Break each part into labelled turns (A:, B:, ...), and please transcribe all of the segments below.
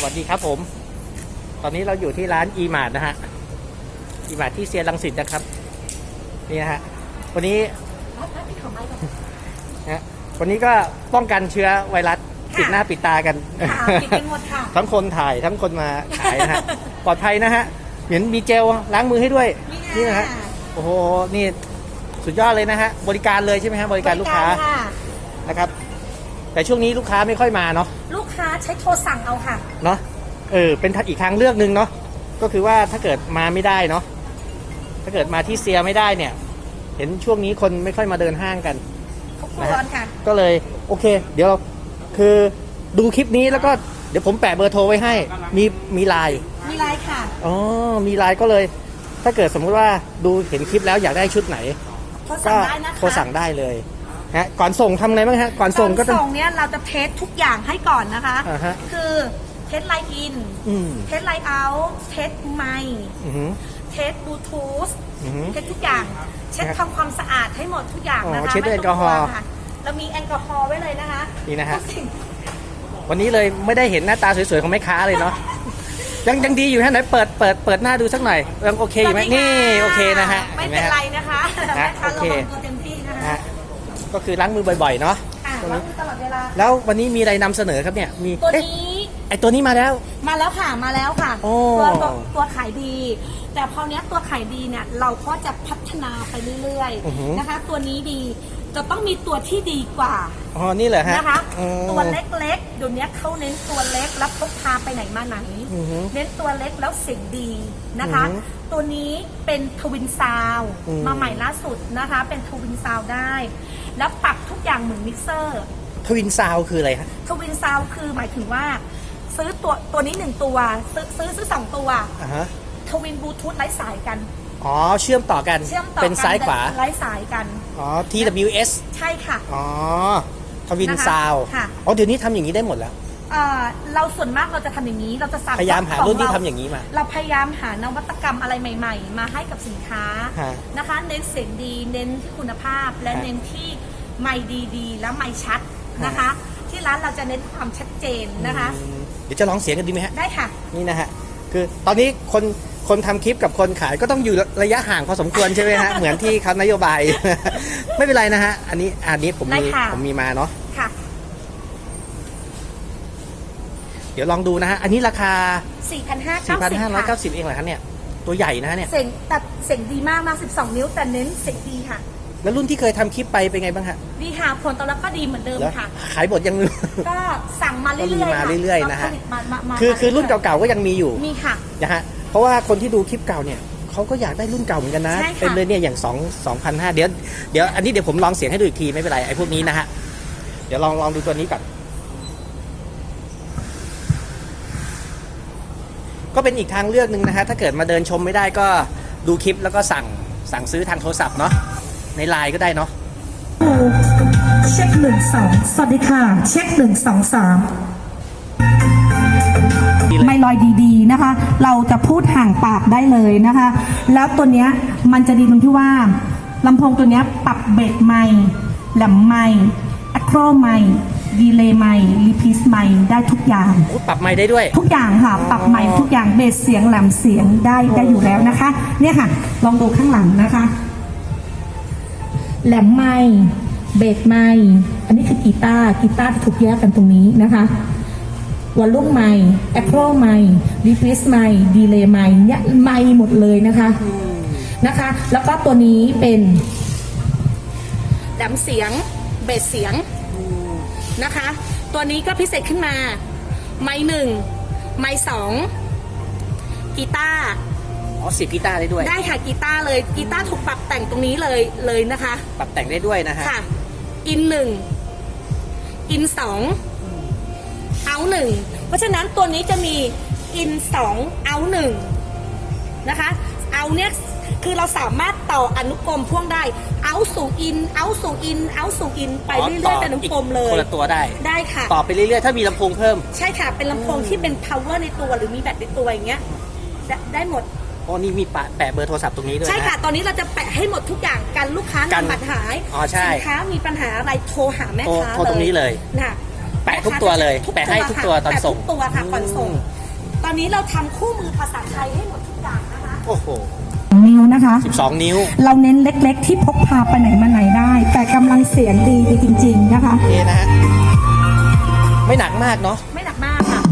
A: วัสดีครับผมตอนนี้เราอยู่ที่ร้านอีมาร์ทนะฮะอีมาร์ทที่เซียรังสิตนะครับนี่นะฮะวันนี้นะวันนี้ก็ป้องกันเชื้อไวรัสปิดหน้าปิดตากัน
B: ปิดกันหมดค่ะ
A: ทั้งคนถ่ายทั้งคนมาขายนะฮะปลอดภัยนะฮะเห็นมีเจลล้างมือให้ด้วยนี่นะฮะโอ้โหนี่สุดยอดเลยนะฮะบริการเลยใช่ไหมฮะบริการลูกค้านะครับแต่ช่วงนี้ลูกค้าไม่ค่อยมาเนาะ
B: ลูกค้าใช้โทรสั่งเอาค่ะ
A: เนาะเป็นอีกทางเลือกหนึ่งเนาะก็คือว่าถ้าเกิดมาไม่ได้เนาะถ้าเกิดมาที่เซียไม่ได้เนี่ยเห็นช่วงนี้คนไม่ค่อยมาเดินห้างกัน
B: นะฮะ
A: ก็เลยโอเคเดี๋ยวเราคือดูคลิปนี้แล้วก็เดี๋ยวผมแปะเบอร์โทรไว้ให้มีไลน์
B: ค่ะ
A: อ๋อมีไลน์ก็เลยถ้าเกิดสมมุติว่าดูเห็นคลิปแล้วอยากได้ชุดไหน
B: ก็โทรสั่งได้
A: เลยฮะก่อนส่งทำไงบ้างฮะก่อนส่งก็
B: ส่งเนี่ยเราจะเทสทุกอย่างให้ก่อนนะคะคือเทสไลน์อินเทสไลน์เอาท์เทสไมค์เทสบลูทูธเทสทุกอย่างเช็ดทำความสะอาดให้หมดทุกอย่างนะคะ
A: เช็ดด้วยแอลกอฮอล์
B: เรามีแอลกอฮอล์ไว้เลยนะคะ
A: นี่นะฮะวันนี้เลยไม่ได้เห็นหน้าตาสวยๆของแม่ค้าเลยเนาะยังดีอยู่ฮะไหนเปิดหน้าดูสักหน่อยยังโอเคอยู่ไหมนี่โอเคนะฮะ
B: ไม่เป็นไรนะคะแม่ค้าเราลงตัวเต็มที่นะคะ
A: ก็คือล้างมือบ่อยๆเนาะ
B: ล้างมือตลอดเวลา
A: แล้ววันนี้มีอะไรนำเสนอครับเนี่ยมี
B: ตัวนี้
A: ตัวนี้มาแล้ว
B: ค่ะตัวขายดีแต่พอเนี้ยตัวขายดีเนี่ยเราก็จะพัฒนาไปเรื่อยๆนะคะตัวนี้ดีจะต้องมีตัวที่ดีกว่า
A: นี่เหรอฮะ
B: นะคะตัวเล็กๆเดี๋ยวนี้เขาเน้นตัวเล็กแล้วพกพาไปไหนมาไหนเน้นตัวเล็กแล้วเสียงดีนะคะตัวนี้เป็นทวินซาวมาใหม่ล่าสุดนะคะเป็นทวินซาวได้แล้วปรับทุกอย่างเหมือนมิกเซอร์
A: ทวินซาวคืออะไรคะ
B: ทวินซาวคือหมายถึงว่าซื้อตัวนี้1ตัวซื้อ2ตัวทวินบลูทูธไร้สายกัน
A: เชื่อมต่อกันเป็นซ้ายขวา
B: ไร้สายกัน
A: TWS
B: ใช่ค่ะ
A: ทวินซาวเดี๋ยวนี้ทำอย่างนี้ได้หมดแล้ว
B: เราส่วนมากเราจะทำอย่างนี้เราจะ
A: พยายามหารุ่นที่ทำอย่างนี้มา
B: เราพยายามหานวัตกรรมอะไรใหม่ๆมาให้กับสินค้านะคะเน้นเสียงดีเน้นที่คุณภาพและเน้นที่ไมค์ดีๆและไมค์ชัดนะคะที่ร้านเราจะเน้นความชัดเจนนะคะ
A: เดี๋ยวจะลองเสียงกันดีไหมฮะ
B: ได้ค่ะ
A: นี่นะฮะคือตอนนี้คนทำคลิปกับคนขายก็ต้องอยู่ระยะห่างพอสมควรใช่ไหมฮะ เหมือนที่เขานโยบาย ไม่เป็นไรนะฮะอันนี้ผมมีมาเนาะ
B: ค่ะ
A: เดี๋ยวลองดูนะฮะอันนี้ราคา
B: 4,590
A: เองเหรอคะเนี่ยตัวใหญ่นะเนี่ย
B: เสียงดีมากนะ12 นิ้วแต่เน้นเสียงดีค่ะ
A: แล้วรุ่นที่เคยทำคลิปไปเป็นไงบ้างฮะ
B: ดีค่ะผลตอบรับก็ดีเหมือนเดิมค่ะ
A: ขายหมดยัง
B: ก็สั่งมาเรื่อย
A: ๆนะฮะคือรุ่นเก่าๆก็ยังมีอยู่
B: มีค่ะ
A: นะฮะเพราะว่าคนที่ดูคลิปเก่าเนี่ยเขาก็อยากได้รุ่นเก่าเหมือนกันนะเป็นเลยเนี่ยอย่าง2,500เดี๋ยวอันนี้เดี๋ยวผมลองเสียงให้ดูอีกทีไม่เป็นไรไอ้พวกนี้นะฮะเดี๋ยวลองดูตัวนี้ก่อนก็เป็นอีกทางเลือกหนึ่งนะฮะถ้าเกิดมาเดินชมไม่ได้ก็ดูคลิปแล้วก็สั่งซื้อทางโทรศัพท์เนาะในไลน์ก็ได้เนาะ
B: เช็ค1-2สวัสดีค่ะเช็ค1-2-3ไม่ลอยดีๆนะคะเราจะพูดห่างปากได้เลยนะคะแล้วตัวเนี้ยมันจะดีตรงที่ว่าลำโพงตัวเนี้ยปรับเบสไมค์แหลมไมค์อะโครไมค์ดีเลย์ไมค์รีพีสไมค์ได้ทุกอย่าง
A: ปรับไมค์ได้ด้วย
B: ทุกอย่างค่ะปรับไมค์ทุกอย่างเบสเสียงแหลมเสียงได้อยู่แล้วนะคะเนี่ยค่ะลองดูข้างหลังนะคะแหลมไมค์เบสไมค์อันนี้คือกีตาร์ถูกแยกกันตรงนี้นะคะวอลลุ่มไมค์แอคโครไมค์รีพีสไมค์ดีเลย์ไมค์เนี่ยไมค์หมดเลยนะคะแล้วก็ตัวนี้เป็นแหลมเสียงเบสเสียงนะคะตัวนี้ก็พิเศษขึ้นมาไมค์1ไมค์2กีตาร์
A: เสียบกีตาร์ได้ด้วย
B: ได้ค่ะกีตาร์เลยกีตาร์ถูกปรับแต่งตรงนี้เลยนะคะ
A: ปรับแต่งได้ด้วยนะฮะ
B: ค่ะอิน1อิน2เอา1เพราะฉะนั้นตัวนี้จะมีอิน2เอา1นะคะเอาเนี่ยคือเราสามารถต่ออนุกรมพ่วงได้เอาสู่อินเอาสู่อินเอาสู่อินไปเรื่อยๆเป็นอนุกรมเลย
A: คนละตัวได้
B: ค่ะ
A: ต่อไปเรื่อยๆถ้ามีลำโพงเพิ่ม
B: ใช่ค่ะเป็นลำโพงที่เป็น power ในตัวหรือมีแบตในตัวอย่างเงี้ยได้หมด
A: นี่มีแปะเบอร์โทรศัพท์ตรงนี้ด้วย
B: ใช่ค่ะตอนนี้เราจะแปะให้หมดทุกอย่างกันลูกค้านำบัตรหายสินค้ามีปัญหาอะไรโทรหาแม่ค้า
A: โทรตรงนี้เลย
B: นะ
A: แปะทุกตัวเลย แปะให้ทุกตัวตอนส่ง
C: แปะทุกตัวค่ะก่อนส่ง ตอนนี้เราทำคู่มือภาษาไทยให้หมดทุกอย่างนะคะ
A: โอ้โห
B: นิ้วนะคะ
A: 12 นิ้ว
B: เราเน้นเล็กๆ ที่พกพาไปไหนมาไหนได้ แต่กำลังเสียงดีจริงๆนะคะ
A: โอเคนะฮะ ไม่หนักมากเนาะ
C: ไม่หนักมากค่ะ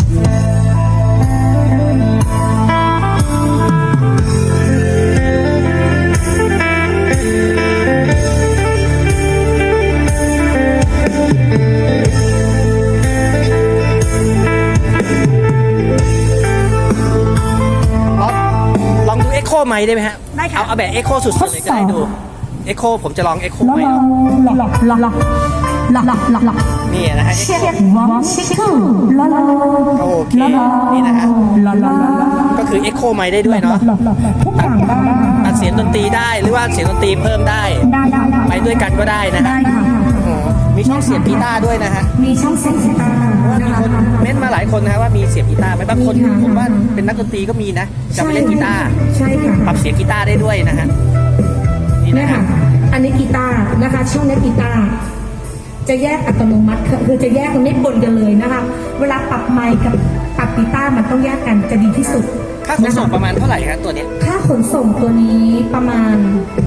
A: ลองดู Echo ไมค์ได้ไหมฮะ
C: ได้ค่ะ
A: เอาแบบ Echo สุดๆเลยก็ได้ดู Echo ผมจะลอง Echo ไมค์
B: หลอกหลอกหลอกหลอกหลอกหลอกหลอก
A: นี่นะฮะ
B: เช็ควอมชิคคูลอลอ
A: โอเค นี่นะฮะ
B: ลอลอ
A: ก็คือ Echo ไมค์ได้ด้วยเนาะ
B: หลอกหลอกทุกอย่างได้
A: ตัดเสียงดนตรีได้ หรือว่าเสียงดนตรีเพิ่มได้
B: ได้ได้
A: ไปด้วยกันก็ได้นะฮะ
B: ได้ค่ะ
A: โอ้โหมีช่องเสียบกีตาร์ด้วยนะฮะ
B: มีช่องเสียงกีตาร์
A: มีคนเม้นต์มาหลายคนนะฮะว่ามีเสียบกีตาร์ไหมบางคน
B: มีค่ะ
A: ผมว่าเป็นนักดนตรีก็มีนะ จะไปเล่นกีตาร์
B: ใช่ค่ะ
A: ปรับเสียงกีตาร์ได้ด้วยนะฮะ นี่
B: เนี่ย
A: นะ
B: ค่ะ
A: ฮะ
B: อันนี้กีตาร์นะคะ ช่องนี้กีตาร์จะแยกอัตโนมัติคือจะแยกมันไม่ปนกันเลยนะคะ เวลาปรับไมค์กับปรับกีตาร์มันต้องแยกกันจะดีที่สุด
A: ค่าขนส่งประมาณเท่าไหร่ครับตัวเนี้ย
B: ค่าขนส่งตัวนี้ประมาณ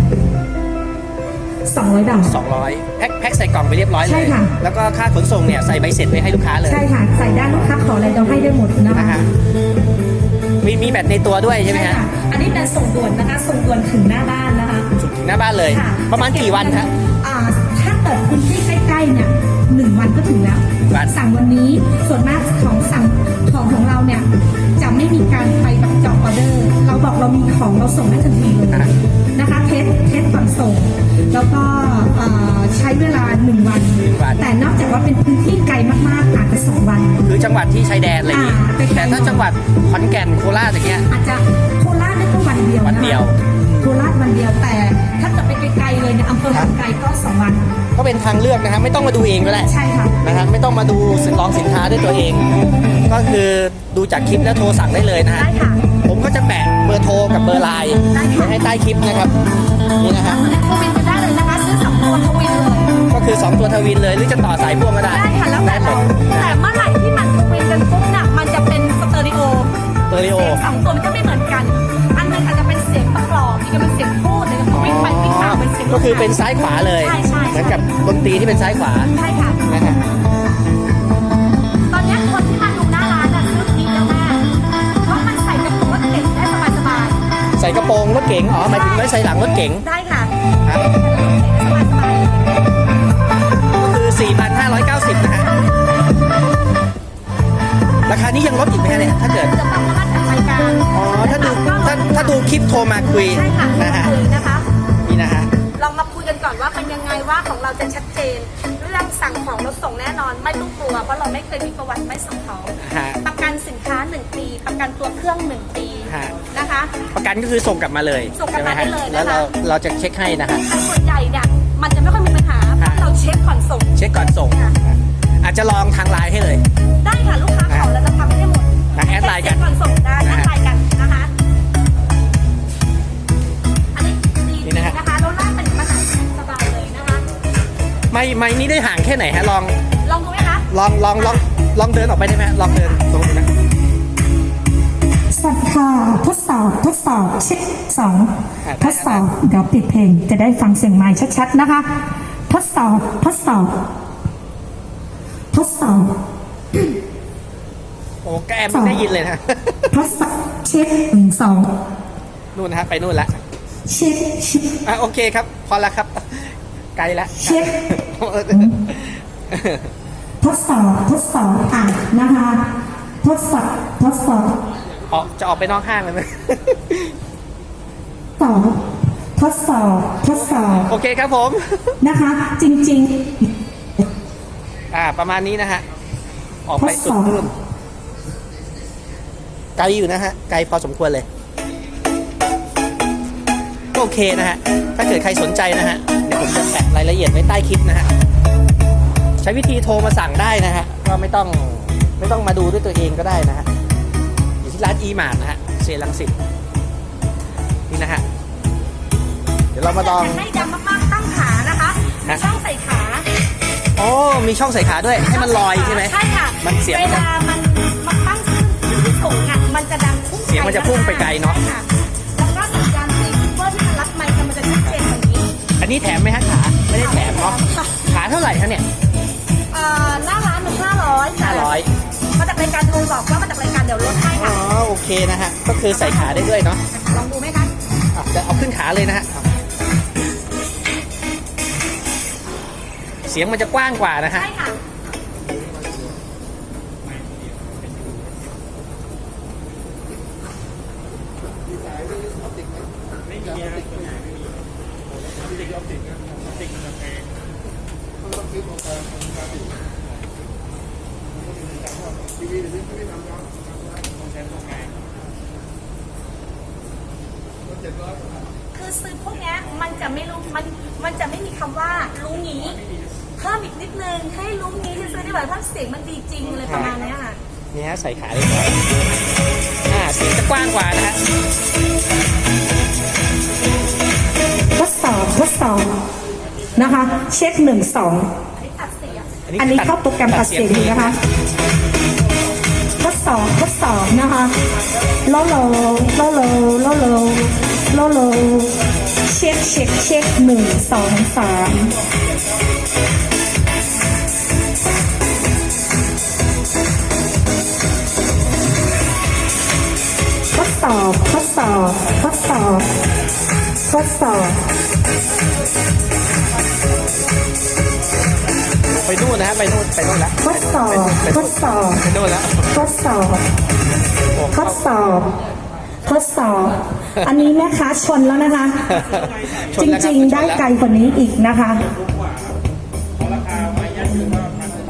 B: 200 บาท
A: 200แพ็คใส่กล่องไปเรียบร้อยเล
B: ใช่
A: ย
B: ค่ะ
A: แล้วก็ค่าขนส่งเนี่ยใส่ใบเสร็จไว้ให้ลูกค้าเลย
B: ใช่ค่ะ ใส่ได้ลูกค้าขออะไรเราให้ได้หมดนะ
A: นะคะ ฮะ มีแบตในตัวด้วยใช่ไหม
B: ใช่
A: ฮะ
B: ค่ะ อันนี้เป็นส่งด่วนนะคะ ส่งด่วนถึงหน้าบ้านนะคะ
A: ถึงหน้าบ้านเลย
B: ค่ะ
A: ประมาณกี่วันฮะ
B: ถ้าเกิดพื้นที่ใกล้ๆเนี่ย1 วันก็ถึงแล้ว
A: วัน
B: สั่งวันนี้ส่วนมากของสั่งของเราเนี่ยจะไม่มีการไปแบบจองออเดอร์ เราบอกเรามีของเราส่งได้ทันทีเลยนะคะเทสก่อนส่ง แล้วก็ใช้เวลา1 วัน แต่นอกจากว่าเป็นพื้นที่ไกลมากๆอาจจะ2 วัน
A: คือจังหวัดที่ชายแดนอะไรอย่างงี้
B: ใกล้ๆ
A: แต่ถ้าจังหวัดขอนแก่นโคราชอย่างเงี้ย
B: อาจจะโคราชได้แค่วันเดียว
A: วันเดียว
B: โคราชวันเดียวแต่ถ้าจะไปไกลๆเลยเนี่ยอำเภอหันไกลก็2 วัน
A: ก็เป็นทางเลือกนะฮะไม่ต้องมาดูเองก็ได้
B: ใช่ค่ะ
A: นะฮะไม่ต้องมาดูลองสินค้าด้วยตัวเอง ก็คือดูจากคลิปแล้วโทรสั่งได้เลยนะฮะ
C: ได้ค่ะ
A: ผมก็จะแปะเบอร์โทรกับเบอร์ไลน์ไว้ให้ใต้คลิปนะครับนี่นะฮะ
C: ทวินกันได้เลยนะคะซื้อ2 ตัวทวินเลย
A: ก็คือ 2 ตัวทวินเลยหรือจะต่อสายพ่วงก็ได้
C: ได้ค่ะแล้วแต่เราแต่เมื่อไหร่ที่มันทวินกันปุ๊บน่ะมันจะเป็นสเตอริโอ
A: สเตอริโอ
C: เสียง2 ตัวมันจะไม่เหมือนกัน อันหนึงอาจจะเป็นเสียงประกอบอีกอันเป็นเสียงพูดหรือวิ่งไปวิ่งมาเป็นเสียง
A: ก็คือเป็นซ้ายขวาเลย
C: ใช่ใช่
A: เหมือนกับดนตรีที่เป็นซ้ายขวา
C: ใช่ค่ะ
A: นะฮะ
C: ตอนเนี้ยคนที่มาดูหน้าร้านน่ะซื้อนี้แล้วแม่เพราะมันใส่กระโปรงรถเก๋งได้สบาย
A: ใส่กระโปรงรถเก๋งอ๋อหมายถึงไว้ใส่หลังรถเก๋ง
C: ๆได้ค่ะ
A: ครับ
C: สบาย
A: ก็คือ 4,590 นะฮะราคานี้ยังลดอีกไหมฮะเนี่ยถ้าเกิด
C: ๆจะต้องมาจัดรายการ
A: อ๋อถ้าดูคลิปโทรมาคุย
C: ใช่ค่ะ
A: นะฮะ
C: คุยนะคะ
A: นี่นะฮะ
C: ลองมาคุยกันก่อนว่าเป็นยังไงว่าของเราจะชัดเจน เรื่องสั่งของเราส่งแน่นอนไม่ต้องกลัวเพราะเราไม่เคยมีประวัติไม่ส่งของ
A: ฮะ
C: ประกันสินค้า 1 ปี ประกันตัวเครื่อง 1 ปี
A: ฮะ
C: นะคะ
A: ประกันก็คือส่งกลับมาเลย
C: ส่งกลับมา
A: ใช่ห
C: ได้เลยนะคะ
A: แล้วเราจะเช็คให้นะฮะ
C: แต่ส่วนใหญ่เนี่ยมันจะไม่ค่อยมีปัญหาเพราะเราเช็คก่อนส่ง
A: เช็คก่อนส่ง
C: ค่ะ
A: อาจจะลองทางไลน์ให้เลย
C: ได้ค่ะลูกค้าขอแล้วจะทำให้หมด
A: แอดไลน์กัน
C: เช็คก่อนส่งได้แอดไลน์กันนะคะอันนี้ดี
A: นี่นะฮะ
C: นะคะแล้วลากไปถึงมหาสบายเลยนะคะ
A: ไม่นี้ได้ห่างแค่ไหนฮะลอง
C: ลองดูไหมคะ
A: ลองเดินออกไปได้ไหมลองเดินตรงนี้นะ
B: สัตว์ค่ะทดสอบเช็ค2ทดสอบเดี๋ยวปิดเพลงจะได้ฟังเสียงไมค์ชัดๆนะคะ ทดสอบ
A: โอ้แกแอมไม่ได้ยินเลยนะ
B: ทดสอบเช็ค2
A: นู่นนะฮะไปนู่นละ
B: เช็ค
A: อ่ะโอเคครับ พอละครับ ไกลละ
B: เช็ค ทดสอบอ่ะนะคะ ทดสอบ
A: จะออกไปนอกห้างเลยไหม
B: ทดสอบ
A: โอเคครับผม
B: นะคะ จริง
A: ประมาณนี้นะฮะ ออกไปสุดนู่นไกลอยู่นะฮะ ไกลพอสมควรเลยก็โอเคนะฮะ ถ้าเกิดใครสนใจนะฮะ เดี๋ยวผมจะแปะรายละเอียดไว้ใต้คลิปนะฮะ ใช้วิธีโทรมาสั่งได้นะฮะ ก็ไม่ต้องมาดูด้วยตัวเองก็ได้นะฮะ อยู่ที่ร้านอีมาร์ทนะฮะเซรังสิตนี่นะฮะ เดี๋ยวเรามาลอง
C: ให้ดำมากๆตั้งขานะคะ
A: ฮะ
C: ช่องใส่ขา
A: ออ๋อมีช่องใส่ขาด้วยให้มันลอยใช่ไหม
C: ใช่ค่ะ
A: มันเสียง
C: เวลามันตั้งขึ้นที่สูงอ่ะมันจะดังพุ่ง
A: เสียงมันจะพุ่งไปไกลเนอะ
C: ใช่ค่แล้วก็สัญญาณซีเวอร์ที่มันรับไมค์มันจะชัดเจนกว่านี้
A: อันนี้แถมไหมฮะขาไม่ได้แถมเนาะ
C: ค่ะ
A: ขาเท่าไหร่คะเนี่ย
C: หน้าร้านมัน500ค่ะ
A: 500
C: มาจากรายการโทรบอกว่ามาจากรายการเดี๋ยวลดให้
A: อ๋อ
C: ค่ะ
A: โอเคนะฮะก็คือใส่ขาได้ด้วยเนาะ
C: ลองดูไหมคะ
A: จะเอาขึ้นขาเลยนะฮะเสียงมันจะกว้างกว่านะฮะ
C: ใช่ค่ะ คือซื้อพวกเนี้ยมันจะไม่รู้มันจะไม่มีคำว่ารู้งี้เพิ่มอีกนิดนึงให้รู้งี้ที่ซื้อได้แบบเพราะเสียงมันดีจริงอะไรประมาณเนี้ยค่ะ
A: นี่ฮะใส่ขาได้ด้วยเสียงจะกว้างกว่านะฮะ
B: ทดสอบนะคะ เช็ค1 2
C: ตัดเสียง
B: อันนี้เข้าโปรแกรมตัดเสียงอยู่นะคะทดสอบนะคะโลเช็ค1 2 3ทดสอบ
A: ไปนู่นนะฮะไปนู่นแล้ว
B: ทดสอบ
A: ไปนู่นแล้ว
B: อันนี้แม่ค้าชนแล้วนะคะ
A: ช
B: จ
A: นแล้วครับ
B: ริงๆ ได้ไกลกว่านี้อีกนะคะ
A: โ